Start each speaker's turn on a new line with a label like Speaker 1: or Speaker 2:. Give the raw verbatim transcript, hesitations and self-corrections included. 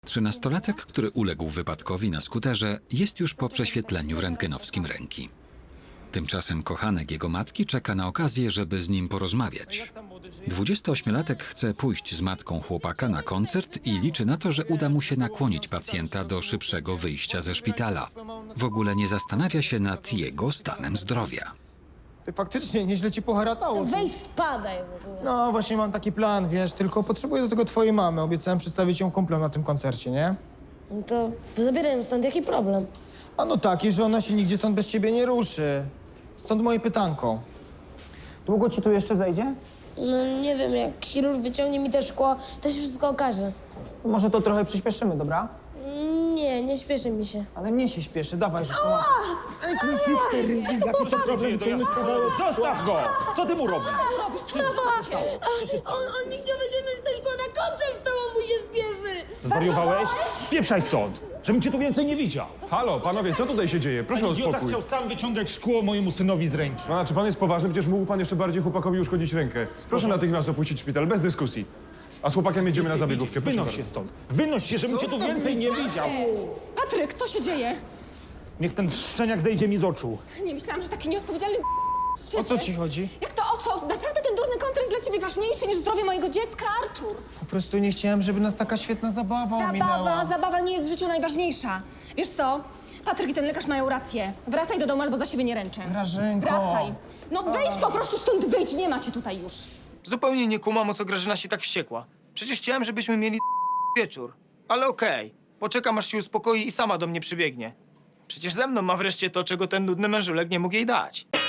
Speaker 1: Trzynastolatek, który uległ wypadkowi na skuterze, jest już po prześwietleniu rentgenowskim ręki. Tymczasem kochanek jego matki czeka na okazję, żeby z nim porozmawiać. dwudziestoośmiolatek chce pójść z matką chłopaka na koncert i liczy na to, że uda mu się nakłonić pacjenta do szybszego wyjścia ze szpitala. W ogóle nie zastanawia się nad jego stanem zdrowia.
Speaker 2: Ty faktycznie nieźle ci poharatało. ty.
Speaker 3: Weź spadaj w ogóle.
Speaker 2: No właśnie mam taki plan, wiesz, tylko potrzebuję do tego twojej mamy. Obiecałem przedstawić ją kumplom na tym koncercie, nie?
Speaker 3: No to zabieraj ją stąd, jaki problem?
Speaker 2: A no taki, że ona się nigdzie stąd bez ciebie nie ruszy. Stąd moje pytanko. Długo ci tu jeszcze zejdzie?
Speaker 3: No nie wiem, jak chirurg wyciągnie mi te szkło, to się wszystko okaże.
Speaker 2: Może to trochę przyspieszymy, dobra?
Speaker 3: Nie, nie śpieszy mi się.
Speaker 2: Ale mnie się śpieszy, dawaj, że to... Weź mi hipster, ryzyk, jaki to problem, wyciągnąć kawałek.
Speaker 4: Zostaw go! Co ty mu robisz?
Speaker 5: robisz? Co
Speaker 3: On, on mi chciał wyciągnąć te szkło na koncert, z tobą mu się spieszy.
Speaker 4: Zwariowałeś? Spieprzaj stąd! Żebym cię tu więcej nie widział.
Speaker 6: Halo, panowie, co tutaj się dzieje? Proszę o
Speaker 4: Idiota
Speaker 6: spokój.
Speaker 4: chciał sam wyciągać szkło mojemu synowi z ręki.
Speaker 6: A, czy pan jest poważny? Przecież mógł pan jeszcze bardziej chłopakowi uszkodzić rękę. Proszę natychmiast opuścić szpital, bez dyskusji. A z chłopakiem jedziemy na zabiegówkę, proszę
Speaker 4: Wynoś
Speaker 6: bardzo.
Speaker 4: się stąd. Wynoś się, żebym cię tu więcej nie widział.
Speaker 5: Patryk, co się dzieje?
Speaker 4: Niech ten szczeniak zejdzie mi z oczu.
Speaker 5: Nie myślałam, że taki nieodpowiedzialny z siebie.
Speaker 2: O co ci chodzi?
Speaker 5: Jak to o co? Naprawdę ten durny koncert jest dla ciebie ważniejszy niż zdrowie mojego dziecka, Artur.
Speaker 2: Po prostu nie chciałem, żeby nas taka świetna zabawa ominęła.
Speaker 5: Zabawa, zabawa nie jest w życiu najważniejsza. Wiesz co? Patryk i ten lekarz mają rację. Wracaj do domu albo za siebie nie ręczę.
Speaker 2: Grażynko.
Speaker 5: Wracaj. No wyjdź po prostu stąd, wyjdź, nie ma cię tutaj już.
Speaker 2: Zupełnie nie kumam, o co Grażyna się tak wściekła. Przecież chciałem, żebyśmy mieli wieczór. Ale okej. Poczekam, aż się uspokoi i sama do mnie przybiegnie. Przecież ze mną ma wreszcie to, czego ten nudny mężulek nie mógł jej dać.